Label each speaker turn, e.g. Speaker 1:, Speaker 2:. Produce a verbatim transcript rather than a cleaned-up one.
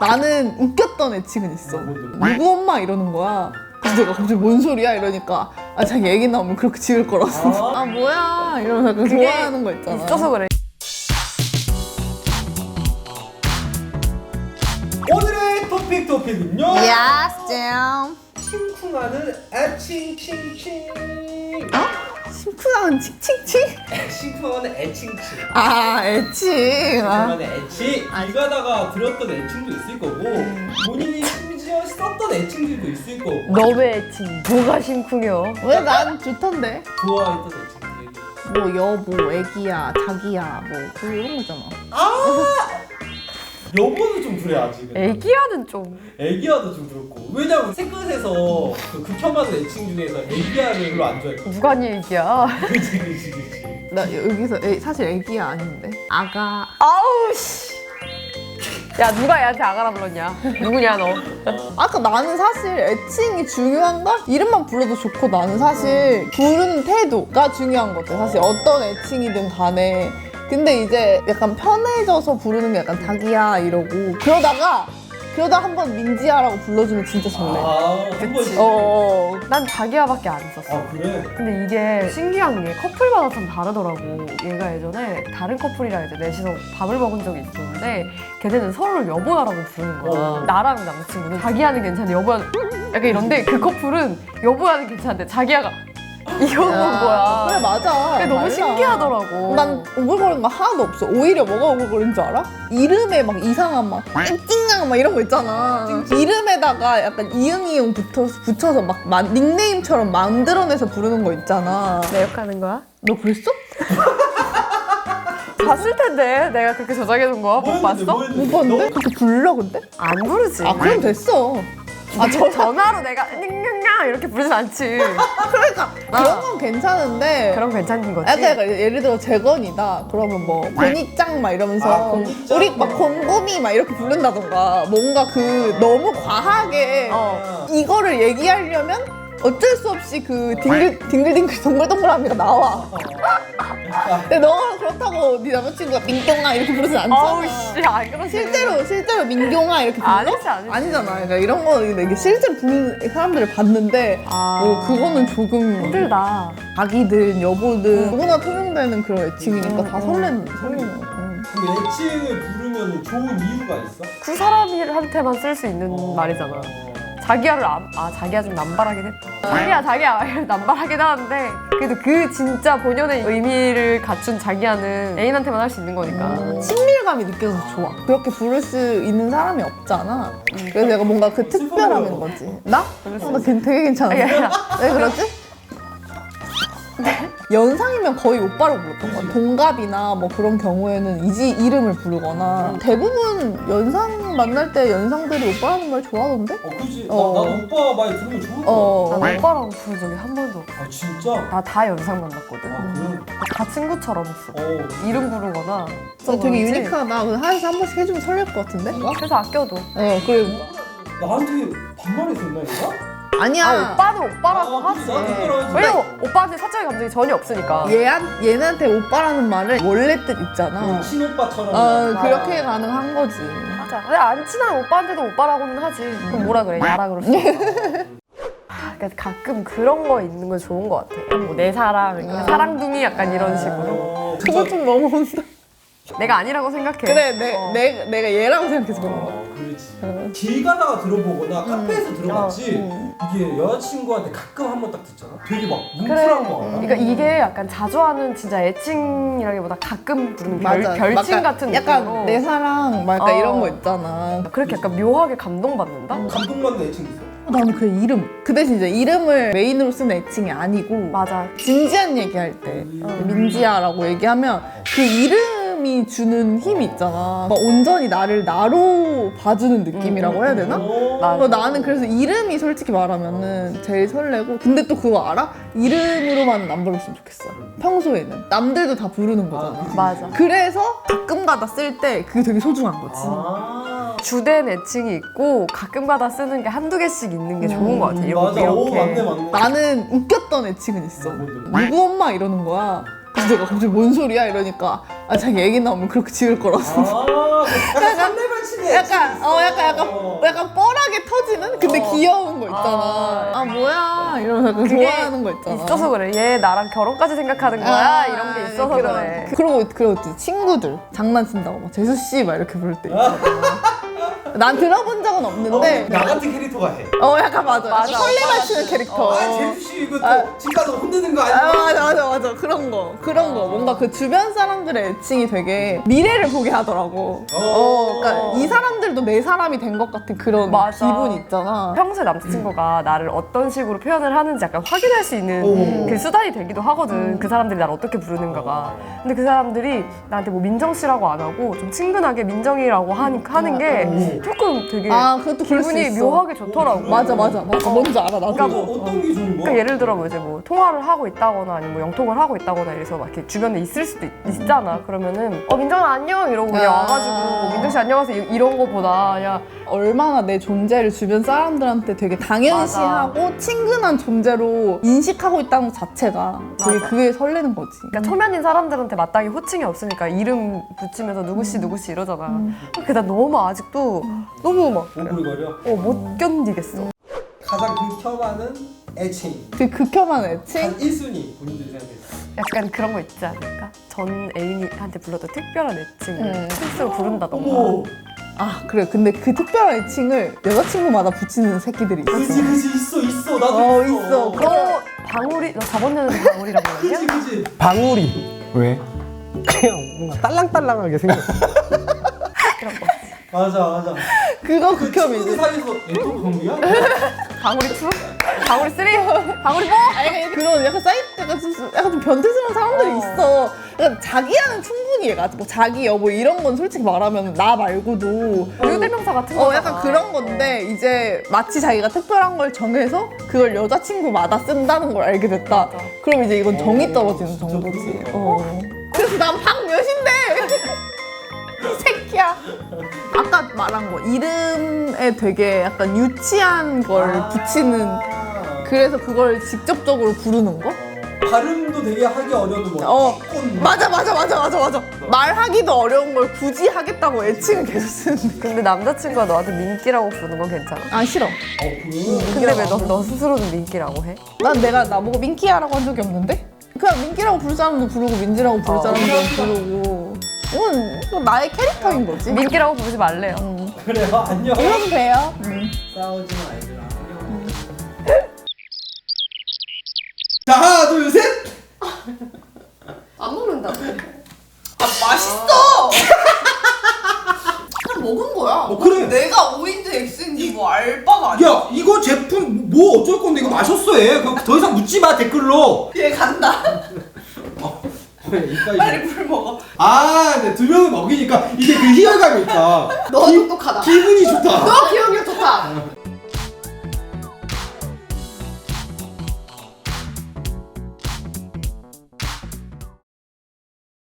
Speaker 1: 나는 웃겼던 애칭은 있어. 누구 엄마 이러는 거야. 그래서 내가 갑자기 뭔 소리야 이러니까 아 자기 애기 나오면 그렇게 지을 거라서 아, 아 뭐야 이러면서 약간 좋아하는 거 있잖아.
Speaker 2: 있어서 그래.
Speaker 3: 오늘의 토픽 토픽은요.
Speaker 1: Yes, damn.
Speaker 3: 심쿵하는 애칭칭칭.
Speaker 1: 어? 심쿵하는 칭칭칭?
Speaker 3: 심쿵하는 애칭칭.
Speaker 1: 아 애칭. 아.
Speaker 3: 심쿵하는 애칭. 길 가다가 들었던 애칭도 있을 거고 본인이 심지어 썼던 애칭들도 있을 거고.
Speaker 2: 너의 애칭 뭐가 심쿵해요?
Speaker 1: 왜 난 좋던데?
Speaker 3: 좋아했던 애칭들.
Speaker 1: 뭐 여보, 애기야, 자기야, 뭐 그 이런 거잖아.
Speaker 3: 아! 여보는 좀 그래 아직은.
Speaker 2: 애기야는 좀
Speaker 3: 애기야도 좀 그렇고. 왜냐면 새끝에서 그 극혐하는 애칭 중에서 애기야를 별로 안 좋아해.
Speaker 2: 누가 네 애기야?
Speaker 3: 그치 그치 그치.
Speaker 1: 나 여기서 애, 사실 애기야 아닌데 아가.
Speaker 2: 아우 씨. 야 누가 얘한테 아가라 불렀냐? 누구냐 너?
Speaker 1: 아까 나는 사실 애칭이 중요한가? 이름만 불러도 좋고 나는 사실 부르는 태도가 중요한 것 같아. 사실 어떤 애칭이든 간에. 근데 이제 약간 편해져서 부르는 게 약간 자기야 이러고 그러다가 그러다 한번 민지야라고 불러주면 진짜 설레.
Speaker 3: 아, 한 번씩.
Speaker 1: 어.
Speaker 2: 난 자기야밖에 안 썼어.
Speaker 3: 아 그래?
Speaker 2: 근데 이게 신기한 게 커플마다 참 다르더라고. 얘가 예전에 다른 커플이랑 이제 넷이서 밥을 먹은 적이 있었는데 걔네는 서로를 여보야라고 부르는 거야.
Speaker 3: 어.
Speaker 2: 나랑 남자친구는 자기야는 괜찮은데 여보야 약간 이런데 그 커플은 여보야는 괜찮은데 자기야가 이런 건 거야.
Speaker 1: 그래 맞아.
Speaker 2: 그게 너무
Speaker 1: 달라.
Speaker 2: 신기하더라고.
Speaker 1: 난 오글거리는 거 하나도 없어. 오히려 뭐가 오글거리는 줄 알아? 이름에 막 이상한 막 찡찡강 막 이런 거 있잖아. 이름에다가 약간 이응이응 붙어서, 붙여서 막 마- 닉네임처럼 만들어내서 부르는 거 있잖아.
Speaker 2: 내역하는 거야?
Speaker 1: 너 그랬어?
Speaker 2: 봤을 텐데 내가 그렇게 저장해둔 거 못
Speaker 3: 뭐였는데,
Speaker 2: 봤어?
Speaker 3: 뭐였는데?
Speaker 1: 못 봤는데?
Speaker 3: 너?
Speaker 1: 그렇게 불러 근데?
Speaker 2: 안 부르지.
Speaker 1: 아 그럼 됐어.
Speaker 2: 아, 저 전화로 내가 닝닝냥 이렇게 부르진 않지.
Speaker 1: 그러니까 그런 건 괜찮은데
Speaker 2: 그럼 괜찮은 거지.
Speaker 1: 약간, 약간 예를 들어 재건이다 그러면 뭐 고니짱 막 이러면서
Speaker 3: 아, 고니짱?
Speaker 1: 우리 막 곰곰이 막 이렇게 부른다던가 뭔가 그 너무 과하게
Speaker 2: 어.
Speaker 1: 이거를 얘기하려면 어쩔 수 없이 그 딩글 딩글딩글 동글동글함이가 나와. 근데 너가 그렇다고 네 남자친구가 민경아 이렇게 부르진 않잖아.
Speaker 2: 어우 씨, 안 그러지.
Speaker 1: 실제로 실제로 민경아 이렇게 불러?
Speaker 2: 아니지, 아니지.
Speaker 1: 아니잖아. 그러니까 이런 거 이게 실제로 부르는 사람들을 봤는데
Speaker 2: 아.
Speaker 1: 어, 그거는 조금
Speaker 2: 힘들다.
Speaker 1: 자기든 여보든 누구나 통용되는 그런 애칭이니까 다 설레는 설레는 거.
Speaker 3: 그 애칭을 부르면 좋은 이유가 있어?
Speaker 2: 그 사람한테만 쓸 수 있는
Speaker 3: 어.
Speaker 2: 말이잖아. 자기야를 안, 아 자기야 좀 남발하긴 했다. 자기야 자기야 남발하긴 하는데 그래도 그 진짜 본연의 의미를 갖춘 자기야는 애인한테만 할 수 있는 거니까.
Speaker 1: 친밀감이 느껴져서 좋아. 그렇게 부를 수 있는 사람이 없잖아. 그래서 내가 뭔가 그 특별함인 거지. 나? 어, 나 걔- 되게 괜찮아.
Speaker 2: 아니, 아니.
Speaker 1: 왜 그러지? 연상이면 거의 오빠로 불렀던 거야. 동갑이나 뭐 그런 경우에는 이지 이름을 부르거나 대부분 연상 만날 때 연상들이 오빠라는 말 좋아하던데?
Speaker 3: 어 그지.
Speaker 1: 어.
Speaker 3: 나, 나 오빠 많이 들으면 좋을 것
Speaker 1: 어.
Speaker 2: 난 오빠랑 부른 적이 한 번도 없어.
Speaker 3: 같아. 아 진짜?
Speaker 2: 나 다 연상 만났거든.
Speaker 3: 아 그래?
Speaker 2: 다 친구처럼 했어.
Speaker 3: 어.
Speaker 2: 이름 부르거나.
Speaker 1: 어, 되게
Speaker 2: 그러지?
Speaker 1: 유니크하다. 그래서 하루에 한 번씩 해주면 설렐 것 같은데?
Speaker 2: 그래서 아껴도.
Speaker 1: 어, 그리고
Speaker 3: 나한테 반말했었나 얘가?
Speaker 1: 아니야.
Speaker 2: 아 오빠는 오빠라고
Speaker 3: 아,
Speaker 2: 하지.
Speaker 3: 그치, 나도 그러지.
Speaker 2: 왜냐면 오빠한테 사적인 감정이 전혀 없으니까.
Speaker 1: 얘한, 얘한테 오빠라는 말을 원래 뜻 있잖아.
Speaker 3: 그 친오빠처럼.
Speaker 1: 어, 그렇게 가능한 거지.
Speaker 2: 맞아. 근데 안 친한 오빠한테도 오빠라고는 하지. 그럼 뭐라 그래? 야라 그럴 수 있어. 아, 그러니까 가끔 그런 거 있는 건 좋은 것 같아. 뭐 내 사랑, 그러니까 사랑둥이 약간 이런 식으로.
Speaker 3: 어,
Speaker 1: 그거 좀 너무 온다.
Speaker 2: 내가 아니라고 생각해.
Speaker 1: 그래, 내,
Speaker 2: 어.
Speaker 1: 내, 내가 얘라고 생각해서 그런 거야.
Speaker 3: 어, 그렇지. 길 가다가 들어보거나 카페에서 들어봤지.
Speaker 1: 음.
Speaker 3: 이게 여자친구한테 가끔 한 번 딱 듣잖아. 되게 막
Speaker 2: 그래.
Speaker 3: 뭉클한 거 알아?
Speaker 2: 그러니까 이게 약간 자주 하는 진짜 애칭이라기보다 가끔 부르는 별,
Speaker 1: 맞아.
Speaker 2: 별칭
Speaker 1: 약간-
Speaker 2: 같은
Speaker 1: 약간
Speaker 2: 느낌으로.
Speaker 1: 내 사랑, 막 약간
Speaker 2: 어.
Speaker 1: 이런 거 있잖아.
Speaker 2: 그렇게 약간 묘하게 감동받는다?
Speaker 3: 감동받는 애칭 있어.
Speaker 1: 나는 그 이름. 그 대신 이제 이름을 메인으로 쓰는 애칭이 아니고
Speaker 2: 맞아.
Speaker 1: 진지한 얘기할 때 민지야라고 얘기하면 그 이름이 주는 힘이 있잖아. 막 온전히 나를 나로 봐주는 느낌이라고 해야 되나?
Speaker 3: 어.
Speaker 2: 맞아.
Speaker 1: 어, 나는 그래서 이름이 솔직히 말하면은 제일 설레고 근데 또 그거 알아? 이름으로만 안 불렀으면 좋겠어. 평소에는 남들도 다 부르는 거잖아.
Speaker 3: 아, 그치.
Speaker 2: 맞아.
Speaker 1: 그래서 가끔가다 쓸 때 그게 되게 소중한 거지.
Speaker 3: 아.
Speaker 2: 주된 애칭이 있고 가끔가다 쓰는 게 한두 개씩 있는 게 좋은 것 같아. 이렇게.
Speaker 3: 맞아. 오
Speaker 2: 이렇게.
Speaker 3: 맞네 맞네.
Speaker 1: 나는 웃겼던 애칭은 있어.
Speaker 3: 뭔데?
Speaker 1: 누구 엄마 이러는 거야. 그래서 내가 갑자기 뭔 소리야 이러니까 아 자기 애기 나오면 그렇게 지을 거라서.
Speaker 3: 아, 약간 산내발치기
Speaker 1: 약간 어 약간 약간
Speaker 3: 어.
Speaker 1: 약간 뻘하게 터지는 근데
Speaker 2: 어.
Speaker 1: 귀여운 거 있잖아.
Speaker 2: 아.
Speaker 1: 아 뭐야 이러면서 약간
Speaker 2: 그게
Speaker 1: 좋아하는 거 있잖아.
Speaker 2: 있어서 그래. 얘 나랑 결혼까지 생각하는 거야.
Speaker 1: 아,
Speaker 2: 이런 게 있어서
Speaker 1: 그런-
Speaker 2: 그래.
Speaker 1: 그리고 그리고 또 친구들 장난친다고 막 재수 씨 막 이렇게 부를 때 있잖아. 난 들어본 적은 없는데
Speaker 3: 나 같은 캐릭터가 해.
Speaker 1: 어 약간 맞아.
Speaker 2: 맞아.
Speaker 1: 설레
Speaker 2: 오빠
Speaker 1: 맞추는
Speaker 2: 같은.
Speaker 1: 캐릭터.
Speaker 2: 어.
Speaker 3: 아 제주씨 이거
Speaker 1: 아.
Speaker 3: 또 집 가서 혼내는 거
Speaker 1: 아
Speaker 3: 아니야?
Speaker 1: 맞아 맞아 맞아 그런 거 그런 거 뭔가 그 주변 사람들의 애칭이 되게 미래를 보게 하더라고. 어, 그러니까 이 사람들도 내 사람이 된 것 같은 그런
Speaker 2: 맞아.
Speaker 1: 기분 있잖아.
Speaker 2: 평소에 남자친구가 나를 어떤 식으로 표현을 하는지 약간 확인할 수 있는
Speaker 3: 오.
Speaker 2: 그 수단이 되기도 하거든. 그 사람들이 나를 어떻게 부르는가가. 근데 그 사람들이 나한테 뭐 민정 씨라고 안 하고 좀 친근하게 민정이라고 하니, 하는 게
Speaker 3: 오.
Speaker 2: 조금 되게
Speaker 1: 아 그것도 그럴 수
Speaker 2: 기분이
Speaker 1: 있어.
Speaker 2: 묘하게 좋더라고.
Speaker 1: 맞아 맞아 맞아 뭔지 알아 나도.
Speaker 2: 그러니까
Speaker 3: 어,
Speaker 2: 뭐-
Speaker 3: 어떤 게 좋은 거야?
Speaker 2: 그러니까 예를 들어 뭐 이제 뭐 통화를 하고 있다거나 아니면 뭐 영통을 하고 있다거나 이래서 막 이렇게 주변에 있을 수도 있, 있잖아. 그러면은 어 민정아 안녕 이러고 그냥
Speaker 1: 아.
Speaker 2: 와가지고 민정 씨 안녕하세요 이- 이런 거보다 그냥
Speaker 1: 얼마나 내 존재를 주변 사람들한테 되게 당연시하고 친근한 존재로 인식하고 있다는 것 자체가 되게
Speaker 2: 맞아.
Speaker 1: 그게 설레는 거지.
Speaker 2: 그러니까 초면인 사람들한테 마땅히 호칭이 없으니까 이름 붙이면서 누구씨 누구씨 이러잖아. 그게 나 너무 아직도 너무 막
Speaker 3: 오글거려.
Speaker 2: 어, 못 견디겠어.
Speaker 3: 가장 극혐하는 애칭.
Speaker 1: 그 극혐한 애칭?
Speaker 3: 한 일 순위 본인들이 생각했을
Speaker 2: 약간 그런 거 있지 않을까? 전 애인한테 불러도 특별한 애칭을
Speaker 1: 음.
Speaker 2: 실수로 부른다던가.
Speaker 3: 어머.
Speaker 1: 아 그래 근데 그 특별한 애칭을 여자친구마다 붙이는 새끼들이 있어.
Speaker 3: 그지 그지 있어 있어 나도
Speaker 1: 어,
Speaker 3: 있어.
Speaker 1: 있어.
Speaker 2: 너 방울이 너 저번 년에도 방울이라고
Speaker 3: 그지
Speaker 2: 했냐?
Speaker 3: 그지.
Speaker 4: 방울이 왜? 그냥 뭔가 딸랑딸랑하게 생겼어.
Speaker 2: 그런 거.
Speaker 3: 맞아 맞아.
Speaker 1: 그거
Speaker 3: 그 친구들
Speaker 1: 극혐이지.
Speaker 3: 사이에서 애또 방울이야?
Speaker 2: 방울이 투? 방울이 쓰리? 방울이 포?
Speaker 1: 아니 그런 약간 사이트 약간 좀, 약간 좀 변태스러운 사람들이
Speaker 2: 어.
Speaker 1: 있어. 그러니까 자기야는 충분히 얘가 뭐 자기 여보 이런 건 솔직히 말하면 나 말고도
Speaker 2: 유대명사 같은
Speaker 1: 어
Speaker 2: 거잖아.
Speaker 1: 약간 그런 건데 이제 마치 자기가 특별한 걸 정해서 그걸 여자친구마다 쓴다는 걸 알게 됐다.
Speaker 2: 맞아.
Speaker 1: 그럼 이제 이건 정이
Speaker 3: 어,
Speaker 1: 떨어지는
Speaker 3: 진짜
Speaker 1: 정도지.
Speaker 3: 그러네.
Speaker 1: 어. 그래서 난 박몇인데 이 새끼야. 아까 말한 거 이름에 되게 약간 유치한 걸
Speaker 3: 아.
Speaker 1: 붙이는 그래서 그걸 직접적으로 부르는 거?
Speaker 3: 발음도 되게 하기 어려운 뭐.
Speaker 1: 어
Speaker 3: 꽃.
Speaker 1: 맞아 맞아 맞아 맞아 맞아 말하기도 어려운 걸 굳이 하겠다고 애칭을 계속 쓰는
Speaker 2: 근데 남자친구가 너한테 민기라고 부르는 건 괜찮아?
Speaker 1: 아 싫어.
Speaker 3: 어 그래.
Speaker 2: 근데 왜 너 너 스스로는 민기라고 해?
Speaker 1: 난 내가 나보고 민키야라고 한 적이 없는데? 그냥 민키라고 부를 사람도 부르고 민지라고 부를
Speaker 2: 어.
Speaker 1: 사람도 부르고 이건, 이건 나의 캐릭터인 거지.
Speaker 2: 민기라고 부르지 말래요.
Speaker 1: 음.
Speaker 3: 그래요 안녕.
Speaker 1: 불러도 돼요. 음.
Speaker 3: 싸우지 마 얘들아. 안녕. 자 하나 둘 셋.
Speaker 2: 안 먹는다.
Speaker 1: 아 맛있어. 그냥 먹은 거야.
Speaker 3: 어, 그래.
Speaker 1: 내가 O인지 X인지 뭐 알바가 아니야.
Speaker 3: 야 이거 제품 뭐 어쩔 건데 이거 마셨어 얘. 그럼 더 이상 묻지 마 댓글로.
Speaker 1: 얘 간다.
Speaker 3: 이따
Speaker 1: 빨리 물 먹어.
Speaker 3: 아, 네, 두 명을 먹이니까 이게 그 희열감이 있다.
Speaker 1: 너
Speaker 3: 기-
Speaker 1: 똑똑하다.
Speaker 3: 기분이 좋다.
Speaker 1: 너 기억력 좋다.